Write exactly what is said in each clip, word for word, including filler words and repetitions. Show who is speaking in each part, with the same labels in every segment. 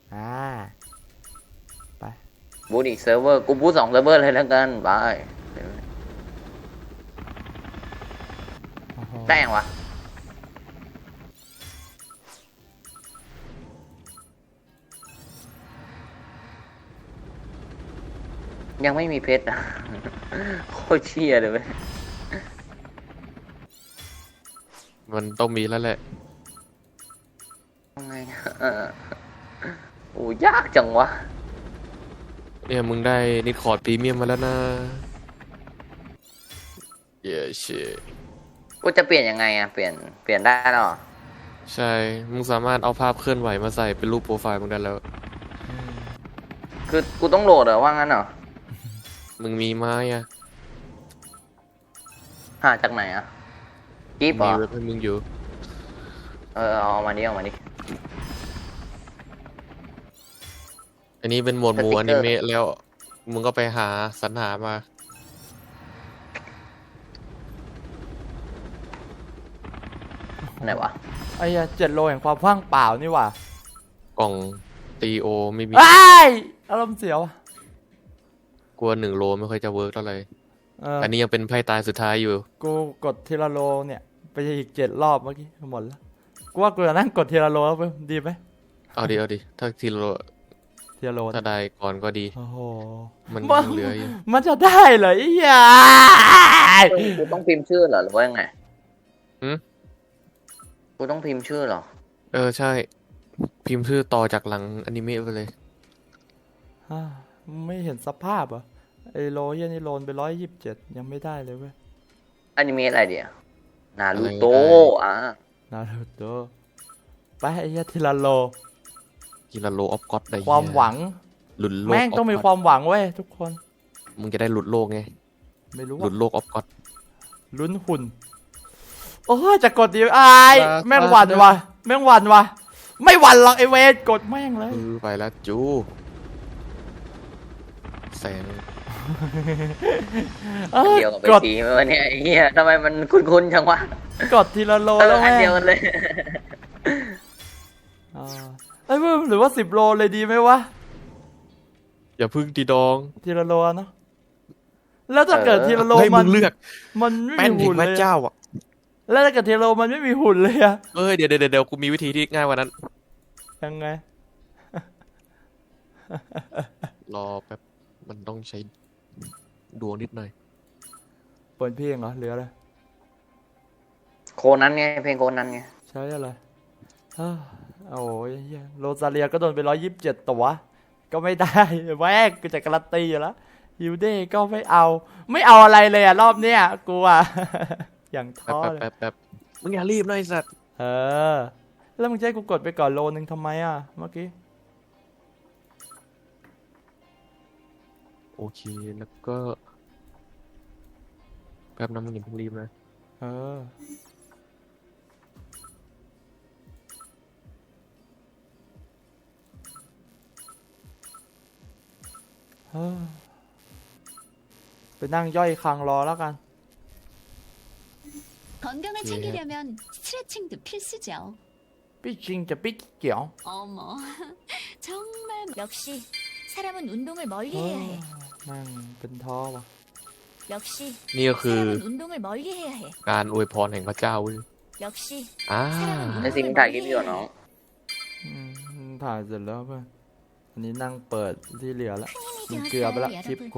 Speaker 1: อ่าไป
Speaker 2: บูทอีกเซิร์ฟเวอร์กูบูทสองเซิร์ฟเวอร์เลยแล้วกันไปได้ยังวะยังไม่มีเพชรอ่ะโคตรเชี่ยเลยเว้ย
Speaker 3: มันต้องมีแล้วแหละ
Speaker 2: ยังไงเออโอ้ยากจังวะ
Speaker 3: เนี่ยมึงได้นิดคอร์ดพรีเมียมมาแล้วนะเย้เช
Speaker 2: กูจะเปลี่ยนยังไงอ่ะเปลี่ยนเปลี่ยนได้หรอ
Speaker 3: ใช่มึงสามารถเอาภาพเคลื่อนไหวมาใส่เป็นรูปโปรไฟล์มึงได้แล้ว
Speaker 2: คือกูต้องโหลดเหรอว่างั้นเหรอ
Speaker 3: มึงมีไม้อะ
Speaker 2: หาจากไหนอ่ะกิ๊บเหร
Speaker 3: มี
Speaker 2: อ
Speaker 3: เว็บให้มึงอยู่
Speaker 2: เออเอามาดิเอามาดิ
Speaker 3: อันนี้เป็นโหมดหมู่อนิเมะแล้วมึงก็ไปหาสรรหามา
Speaker 2: ไหนวะ
Speaker 1: ไอ้เจ็ดโลแห่งความว่างเปล่านี่หว่าก
Speaker 3: ล่องตีโอไม่มี
Speaker 1: ไอ้อารมณ์เสียว
Speaker 3: กลัวหนึ่งโลไม่ค่อยจะเวิร์กเท่าไหร่
Speaker 1: เออ
Speaker 3: อันนี้ยังเป็นไพ่ตายสุดท้ายอยู่
Speaker 1: กูกดทีละโลเนี่ยไปอีกเจ็ดรอบเมื่อกี้หมดแล้วกูว่ากูจะนั่งกดทีละโลแล้วดีไหม
Speaker 3: เอาดิเอาดิถ้าทีละโล
Speaker 1: ทีละโล
Speaker 3: ถ้าได้ก่อนก็ดี
Speaker 1: โอ้โห
Speaker 3: มันยังเหลืออยู่
Speaker 1: มันจะได้เหรอไอ้ยา
Speaker 2: กูต้องพิมพ์ชื่อเหรอหรือว่ายังไง
Speaker 3: หืม
Speaker 2: กูต้องพิมพ์ชื่อเหรอ
Speaker 3: เออใช่พิมพ์ชื่อต่อจากหลังอนิเมะไปเลย
Speaker 1: ไม่เห็นสภาพอ่ะไอ้โลเฮียนี่โลนไปร้อยยี่สิบเจ็ดยังไม่ได้เลยเว้ย
Speaker 2: อนิเมะอะไรเดียวนารูโตะอ่ะ
Speaker 1: นารูโตะไปไอ้เฮียทีละโล
Speaker 3: ทีละโลออฟก็อดได้
Speaker 1: ความหวัง
Speaker 3: หลุดโลก
Speaker 1: แม่งต้องมีความหวังเว้ยทุกคน
Speaker 3: มึงจะได้หลุดโลกไง
Speaker 1: ไม่รู้
Speaker 3: หลุดโลกออฟก็อด
Speaker 1: ลุ้นหุ่นโอ้จะกดดีไอ้แม่งหวันวะแม่งหวันวะไม่หวันหรอกไอเวทกดแม่งเลย
Speaker 3: ไปแล้วจูแสง
Speaker 2: เดียวกับไปทีไหมวะเนี่ยไอ้เหี้ยทำไมมันคุ้นๆจังวะ
Speaker 1: กดทีละโลแล้ว
Speaker 2: แม่งเดียวกันเลย
Speaker 1: ไอ้เพิ่มหรือว่าสิบโลเลยดีไหมวะ
Speaker 3: อย่าพึ่งตีดอง
Speaker 1: ทีละโลเนาะแล้วถ้าเกิดทีละโลมัน
Speaker 3: เลือก
Speaker 1: มันไม่มีหุ่นเลย
Speaker 3: เจ้าอ่ะ
Speaker 1: แล้วถ้าเกิดทีละโลมันไม่มีหุ่นเลยอะ
Speaker 3: เอ้ยเดี๋ยวเดี๋ยวเดี๋ยวกูมีวิธีที่ง่ายกว่านั้น
Speaker 1: ยังไง
Speaker 3: รอแป๊บมันต้องใช้ดวงนิดหน่อย
Speaker 1: เปิดเพลงเหรอหรืออะไร
Speaker 2: โคนั้นไงเพลงโคนั้นไง
Speaker 1: ใช่อะไรโอ้ยโรซาเลียก็โดนไปร้อยยี่สิบเจ็ดตัวก็ไม่ได้แวกกูจะการันตีอยู่แล้วฮิวเด้ก็ไม่เอาไม่เอาอะไรเลยอะรอบเนี้ยกูอะอย่างท้อเลย
Speaker 3: แป๊บแป๊บมึงอย่ารีบหน่อยสัตว์
Speaker 1: เออแล้วมึงจะให้กูกดไปก่อนโลนึงทำไมอะเมื่อกี้
Speaker 3: โอเคแล้วก็แป๊บน้ำมึงอย่าเพิ่งรีบนะ
Speaker 1: เออไปนั่งย่อยคังรอแล้วกัน
Speaker 3: นี่ก็คือการอวยพรแห่งพระเจ้าเว้ยอ่า
Speaker 2: ไอซิมถ่ายคลิปอยู่เนาะ
Speaker 1: ถ่ายเสร็จแล้วเพื่อนอันนี้นั่งเปิดที่เหลือแล้วมันเกลือไปละคลิปกู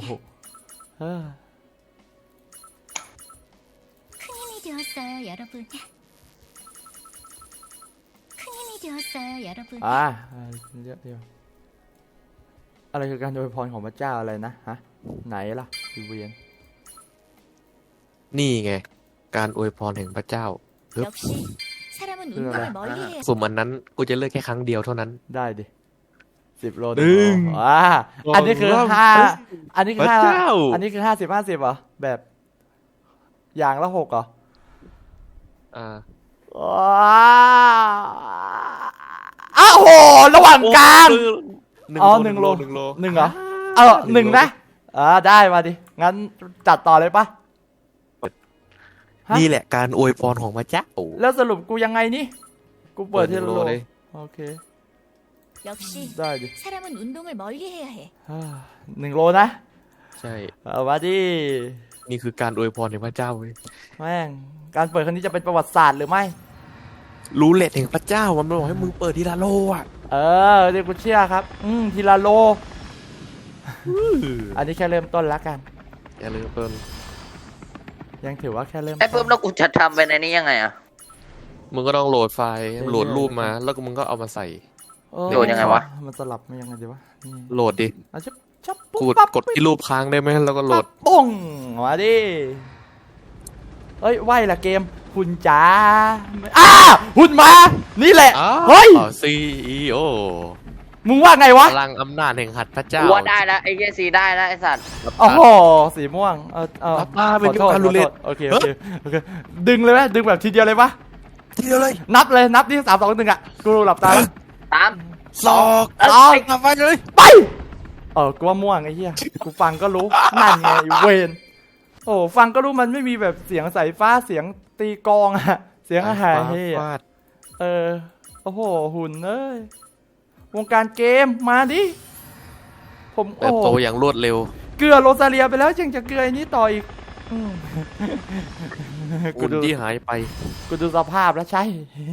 Speaker 1: อ่าเยอะเดียวอะไรคือการโดยพรของพระเจ้าอะไรนะฮะไหนล่ะอีเวียน
Speaker 3: นี่ไงการอวยพรแห่งพระเจ้าสุ่มอันนั้นกูจะเลือกแค่ครั้งเดียวเท่านั้น
Speaker 1: ได้ดิสิบโลหนึ่งอ่าอันนี้คือห้าอันนี้คือห้าอันนี้คือห้าสิบห้าสิบเหรอแบบอย่างละหกเหรอ
Speaker 3: อ่า
Speaker 1: อ้าวโหระหว่างกลางอ๋อหนึ่งโลหนึ่งโลหนึ่งเหรอเออหนึ่งนะอ่าได้มาดิงั้นจัดต่อเลยปะ
Speaker 3: นี่แหละการอวยพรของพระเจ้า
Speaker 1: แล้วสรุปกูยังไงนี่กูเปิดทีละโลโอเค
Speaker 4: 역시
Speaker 1: ได้ดิ
Speaker 4: 사람은 운동을 멀리 해야 해.
Speaker 1: อ่าหนึ่งโลนะ
Speaker 3: ใช่
Speaker 1: เอามาดิ
Speaker 3: นี่คือการอวยพรแห่งพระเจ้าเว้ย
Speaker 1: แม่งการเปิดครั้งนี้จะเป็นประวัติศาสตร์หรือไม่
Speaker 3: รู้เลทแห่งพระเจ้ามันบอกให้มึงเปิดทีละโลอ่ะ
Speaker 1: เออเดี๋ยวกูเชื่อครับ อืมทีละโล อันนี้แค่เริ่มต้นแล้วกัน
Speaker 3: อย่าลืมเปิด
Speaker 1: ยังถือว่าแค่เริ่ม
Speaker 2: ไอ้
Speaker 1: ต้
Speaker 2: เพิ่
Speaker 1: น
Speaker 2: มแล้วกูจะทำไปในนี้ยังไงอะ
Speaker 3: มึงก็ต้องโหลดไฟล์
Speaker 1: เออ
Speaker 3: โหลดรูปมาแล้วก็มึงก็เอามาใส่
Speaker 1: เออ
Speaker 2: โดนยังไงวะ
Speaker 1: มันสลับมันยังไงดีวะนี่
Speaker 3: โหลดดิ
Speaker 1: อ่ะชับชับปุ๊บ
Speaker 3: กู
Speaker 1: ปั๊บ
Speaker 3: กดที่รูปค้างได้ไหมแล้วก็โหลด
Speaker 1: ปั๊บปุ้งมาดิเอ้ยไหวละเกมหุ่นจ๋าอ้าหุ่นมา นี่แหละ
Speaker 3: อ้าว
Speaker 1: เฮ้ย
Speaker 3: ซีอีโอ
Speaker 1: มึงว่าไงวะ
Speaker 3: พลังอำนาจแห่งหัตถ์พระเจ้า
Speaker 2: กูว่าได้แล้วไอ้เหี้ยซีได้แล้วไอ้สัตว์
Speaker 1: โอ้โหสีม่วงเออเออ
Speaker 3: ป้า
Speaker 1: ข
Speaker 3: เป็น
Speaker 1: อโทษ
Speaker 3: การ
Speaker 1: ข
Speaker 3: รุ
Speaker 1: อน
Speaker 3: แร
Speaker 1: โท
Speaker 3: ง
Speaker 1: ษโอเคโอเคโอเคดึงเลยไหมดึงแบบทีเดียวเลยปะ
Speaker 3: ทีเดียวเลย
Speaker 1: นับเลยนับที่สามสองหนึ่งอ่ะกูหลับตาแล้ว
Speaker 2: ตาม
Speaker 3: สอก
Speaker 1: สอง
Speaker 3: ทำไปเลย
Speaker 1: ไปเออกูว่าม่วงไอ้เหี้ยกูฟังก็รู้นั่นไงไอ้เวนโอ้ฟังก็รู้มันไม่มีแบบเสียงสายฟ้าเสียงตีกลองอะเสียงอาหารเฮ้ย
Speaker 3: ฟาด
Speaker 1: เออโอ้โหหุ่นเอ้ยวงการเกมมาดิผม
Speaker 3: แบ
Speaker 1: โอ้
Speaker 3: บโตอย่างรวดเร็ว
Speaker 1: เกลือโรซาเลียไปแล้วยังจะเกลือไอ้นี้ต่ออีกอืมกู
Speaker 3: หุ่น
Speaker 1: ดู
Speaker 3: ที่หายไป
Speaker 1: กูดูสภาพแล้วใช่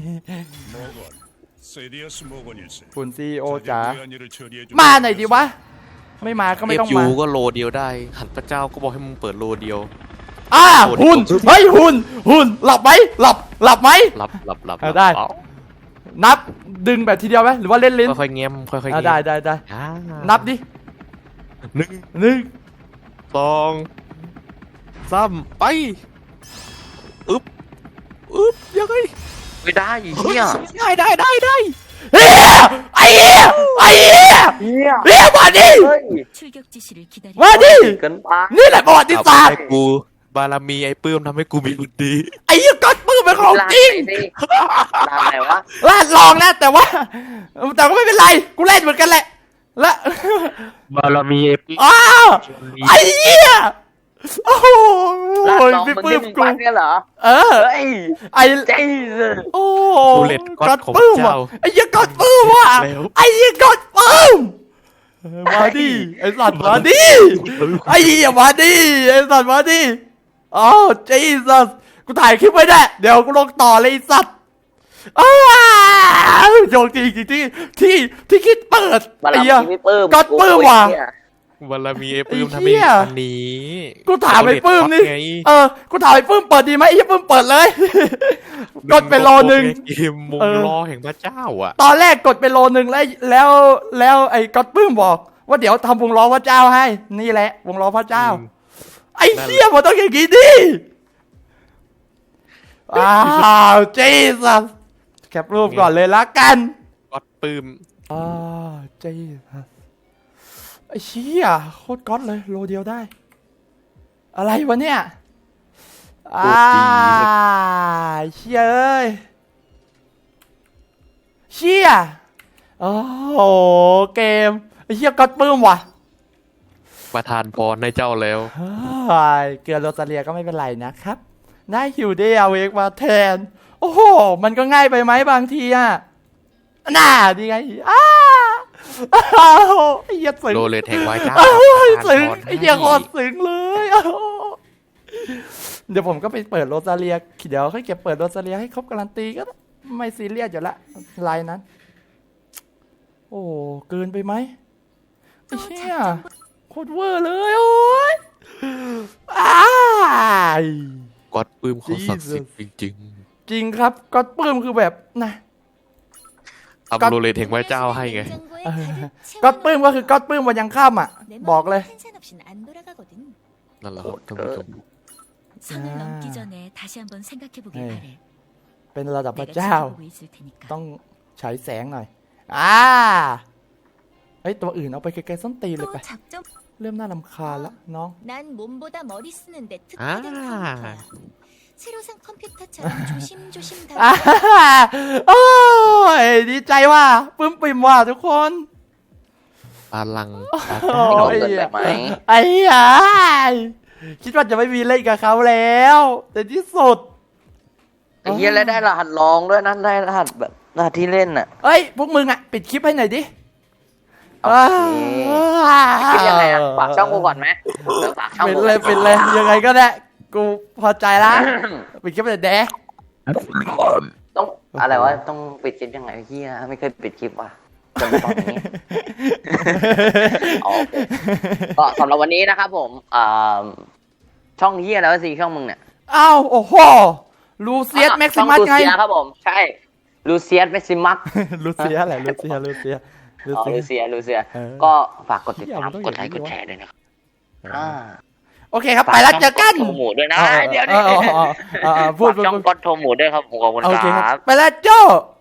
Speaker 5: 모건, 세디어스 모건일세.
Speaker 1: หุ่นซีโอจ๋า
Speaker 5: 자네 부의 일을 처리해 주.
Speaker 1: มาหน่อยดิวะ ไม่มาก็ไม่
Speaker 3: เอฟ
Speaker 1: ต้อง
Speaker 3: ยู
Speaker 1: มา
Speaker 3: ก็โลเดียวได้ หันพระเจ้าก็บอกให้มึงเปิดโลเดียว
Speaker 1: อ่า
Speaker 3: โอ้โห
Speaker 1: หุ่นเฮ้ยหุ่นหุ่นหลับไหมหลับหลับไหม
Speaker 3: หลับหลับหลับ
Speaker 1: เอาได้
Speaker 3: หลับ
Speaker 1: นับดึงแบบทีเดียวไหมหรือว่าเล่นลิ้น
Speaker 3: ค่อยๆเงี้ยมค่อยๆ
Speaker 1: อ่า
Speaker 3: เงี้ยม
Speaker 1: ได้ได้ได้
Speaker 3: อ่า
Speaker 1: นับดิ
Speaker 3: หนึ่ง
Speaker 1: หนึ่ง
Speaker 3: สองสามไปอึ๊บอึ๊บยังไง
Speaker 2: ไม่ได้ไอ้เหี้ย
Speaker 3: ได้ได้ได้ได้
Speaker 1: เฮียไอ้เฮียไอ้เฮีย
Speaker 2: เหี้ย
Speaker 1: เฮียมาดิ
Speaker 2: เฮ้ย
Speaker 4: 출격 지시를 기다리.
Speaker 1: มาดิ
Speaker 2: เกินไป
Speaker 1: นี่แหละประวัติศาสตร์
Speaker 3: ให้กูบารมีไอ้ปื้มทำให้กูมีบุญดี
Speaker 1: ไอ้เฮียก๊อตปื้มเป็นของจริง
Speaker 2: ลานไหนดิลานไหนวะ
Speaker 1: ลาดลองนะแต่ว่า แต่ก็ไม่เป็นไรกูเล่นเหมือนกันแหละ และ
Speaker 3: บารมีไอ้ปื้ม
Speaker 1: อ้าวไอ้เหี้ยโอ้โห
Speaker 2: ลานน้อง
Speaker 1: พี่
Speaker 2: มึง
Speaker 1: ปื้
Speaker 2: ที่
Speaker 1: ม
Speaker 2: มึง
Speaker 1: กู
Speaker 2: ปั้นเนี่ยเหรอ
Speaker 1: เออ
Speaker 2: เฮ้ย
Speaker 1: ไอ้
Speaker 2: เจ๊ส
Speaker 1: โอ้
Speaker 3: กูเล็ดก๊อตของ
Speaker 1: ปื้ม
Speaker 3: เจ้า
Speaker 1: ว่ะไอ้เหี้ยก๊อตปื้มว่ะ
Speaker 3: แล้ว
Speaker 1: ไอ้เหี้ยก๊อตปื้มมาดิไอ้สัตว์มาดิไอ้เหี้ยมาดิไอ้สัตว์มาดิอ้าวจีสัสกูถ่ายคลิปไว้แน่เดี๋ยวกูลงต่อเลยไอ้สัตว์อ้าวโยงจริงจริงที่ที่ที่คิดเปิด
Speaker 2: บาร
Speaker 1: ไอ้
Speaker 2: มี
Speaker 1: เหี้ย
Speaker 2: ไม่เปิ้ม
Speaker 1: ก๊อตปื้มว่ะ
Speaker 2: ไอ้เหี้ย
Speaker 3: บารมีไอ้ปื้ม
Speaker 1: ไอ้
Speaker 3: ทำ
Speaker 1: เหี้
Speaker 3: ให้
Speaker 1: ย
Speaker 3: อันนี้
Speaker 1: กูถามไอ้ปื้มนี่
Speaker 3: ไง
Speaker 1: เออ กูถามไอ้ปื้มเปิดดีไหมไอ้เหี้ยปื้มเปิดเลย กดไปโลนึง
Speaker 3: เกมมง
Speaker 1: เออ
Speaker 3: รอแห่งพระเจ้าอ่ะ
Speaker 1: ตอนแรกกดไปโลนึงแล้วแล้วแล้วไอ้ก๊อตปื้มบอก ว่าเดี๋ยวทำวงล้อพระเจ้าให้ นี่แหละ วงล้อพระเจ้า
Speaker 3: อืม
Speaker 1: ไอ้เหี้ยมันต้องอย่างงี้ดิอ้าวจีสัสแคปรูปก่อนเลยละกัน
Speaker 3: ก๊อตปื้ม
Speaker 1: อ้าวจีสัสไอ้เชี่ยโคตรก๊อตเลยโลเดียวได้ อะไรวะเนี่ย อ่าเชี่ยเอ้ยเชี่ยโอ้โหเกมไอ้เชี่ยก๊อตปื้มว่ะ
Speaker 3: ประทานพรให้เจ้าแล้ว
Speaker 1: เฮ้ยเกลือโรซาเลียก็ไม่เป็นไรนะครับได้ฮิวเดย์เอาเวกมาแทน โอ้โห มันก็ง่ายไปไหมบางทีอ่ะน่าดีไงอ้าอ้าวไอ้เหี้ยสึง
Speaker 3: โลเลตแห่งวายเจ้า
Speaker 1: อ้าว
Speaker 3: ประทาน
Speaker 1: สึง
Speaker 3: พร
Speaker 1: ไอ้เหี้ย
Speaker 3: ให้
Speaker 1: โคตรสึงเลยอ้าวเดี๋ยวผมก็ไปเปิดโรซาเลียเดี๋ยวค่อยเก็บเปิดโรซาเลียให้ครบการันตีก็ได้ไม่ซีเรียสอยู่ละลายนั้น โอ้เกินไปไหมไอ้เหี้ยโคตรเวอร์เลยโอ้ยอ้าย
Speaker 3: ก๊อตปื้มเขาศักดิ์สิทธิ์จริง
Speaker 1: จริงครับก็ปลื้มคือแบบนะ
Speaker 3: ๆทำโลเลตแห่งพระเจ้าให้ไง
Speaker 1: ก็ปลื้มก็คือก็ปลื้มวันยังค่ำอ่ะ บอกเลย
Speaker 3: นั่นแหละครับท่านผู้ชม
Speaker 4: 선을 넘기 전에 다시 한번 생각해보길
Speaker 1: 네.
Speaker 4: 바래.
Speaker 1: เป็นระดับพระ
Speaker 4: 내가
Speaker 1: เจ้า
Speaker 4: 지켜보고 있을 테니까.
Speaker 1: ต้องใช้แสงหน่อยอ่าเฮ้ยตัวอื่นเอาไปไกลๆส้นตีนเลย
Speaker 4: 또
Speaker 1: ไป
Speaker 4: 작전.
Speaker 1: เริ่มน่ารำคาญละน้อง
Speaker 4: 난 몸보다 머리 쓰는데 특화된
Speaker 3: 아.
Speaker 4: 컴퓨터야. 새로 산 컴퓨터처럼 조심조심
Speaker 1: อ่า
Speaker 4: 다루고
Speaker 1: โอ้ยดีใจว่าปลื้มปิ่มว่าทุกคน
Speaker 3: พลัง
Speaker 1: โอ้
Speaker 2: น้อง
Speaker 1: ย
Speaker 2: เกินไปไหม
Speaker 1: ไอ้ยายคิดว่าจะไม่มีเล่นกับเขาแล้ว แต่ที่สุด
Speaker 2: ไอ้เหี้ยแล้วได้รหัสรองด้วยนะได้รหัสแบบหน้าที่เล่นน่ะ
Speaker 1: เอ้ยพวกมึงอ่ะปิดคลิปให้หน่อยดิ
Speaker 2: โอเคคิดยังไงอ่ะฝากช่องกูก่อนไหมเดี๋ยวฝากช่อง
Speaker 1: ปิด
Speaker 2: กู
Speaker 1: เลยปิดเลยยังไงก็ได้กูพอใจละปิดคลิปเลยแดะ
Speaker 2: ต้องอะไรวะต้องปิดคลิปยังไงเฮียไม่เคยปิดคลิปว่ะจนตอนนี้ โอเคก็สำหรับวันนี้นะครับผมอ่าช่องเฮียแล้วสิช่องมึงเนี่ย
Speaker 1: อ้าวโอ้โหลูเซียสแม็กซิมัส
Speaker 2: ช่อง
Speaker 1: ไง
Speaker 2: ลูเซียครับผมใช่ลูเซียสแม็กซิมัส
Speaker 1: ลูเซียอะไรลูเซียลูเซียลู
Speaker 2: อ๋อ
Speaker 1: เซีย
Speaker 2: ลูเซียลูเซีย
Speaker 1: เออ
Speaker 2: ก็ฝากกดติดตาม
Speaker 1: เหี้ยมันต้อง
Speaker 2: กดไลค์
Speaker 1: อก ย่างนี้
Speaker 2: ดแชร์ด้วยนะครับอ่า
Speaker 1: โอเคครับไปแล้วเจอกัน
Speaker 2: ฝาช่องโทรหมูด้วยนะ
Speaker 1: เออ
Speaker 2: เดี๋ยว
Speaker 1: เออเออเออเออเออพูด
Speaker 2: ฝากช่อง
Speaker 1: พูด
Speaker 2: กดโทรหมูด้วยครับผมขอบคุณ
Speaker 1: โอเค
Speaker 2: ค
Speaker 1: ค
Speaker 2: รั
Speaker 1: รับบ ไปแล้วโจ้